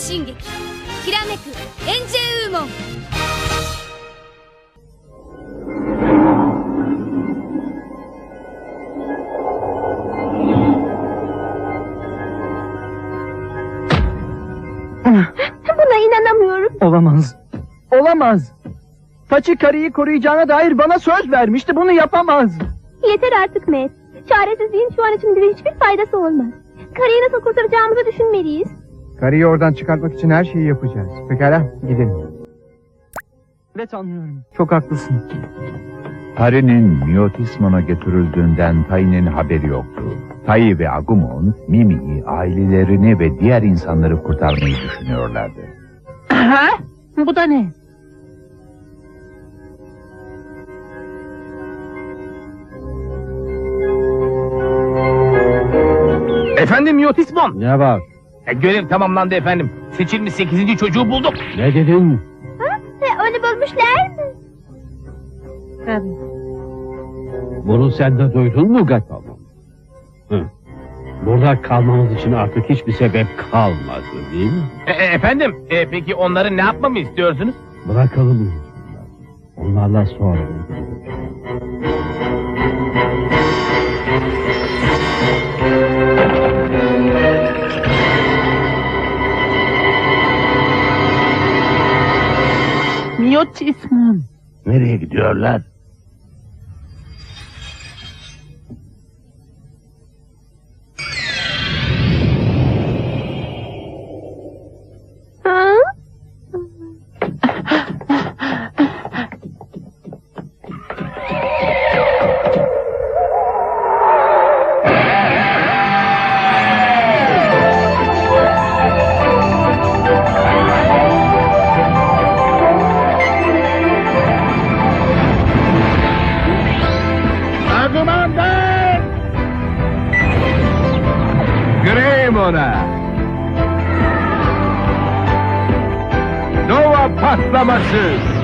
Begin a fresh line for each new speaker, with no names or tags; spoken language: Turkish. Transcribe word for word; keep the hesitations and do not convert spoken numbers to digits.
進撃きらめくエンジェウーモン。
Buna inanamıyorum.
Olamaz. Olamaz. Paçi karıyı koruyacağına dair bana söz vermişti. Bunu yapamaz.
Yeter artık Matt. Çaresizliğin şu an için bize hiçbir faydası olmaz. Karıyı nasıl kurtaracağımızı düşünmeliyiz.
Karıyı oradan çıkartmak için her şeyi yapacağız. Pekala, gidelim.
Evet, anlıyorum.
Çok haklısın.
Pari'nin Myotismon'a götürüldüğünden Tai'nin haberi yoktu. Tai ve Agumon, Mimi'yi, ailelerini ve diğer insanları kurtarmayı düşünüyorlardı.
Aha, bu da ne?
Efendim Yotismon.
Ne var?
E, görev tamamlandı efendim. Seçilmiş sekizinci çocuğu bulduk.
Ne dedin?
Ha? E, onu bulmuşlar mı?
Bunu sen de duydun mu Gatamon? Hı. Burada kalmamız için artık hiçbir sebep kalmadı değil mi?
E, e, efendim e, peki onları ne yapmamı istiyorsunuz?
Bırakalım onlarla. Onlarla sonra.
Myotismon.
Nereye gidiyorlar?
Ha?
Greymona! Nova patlaması!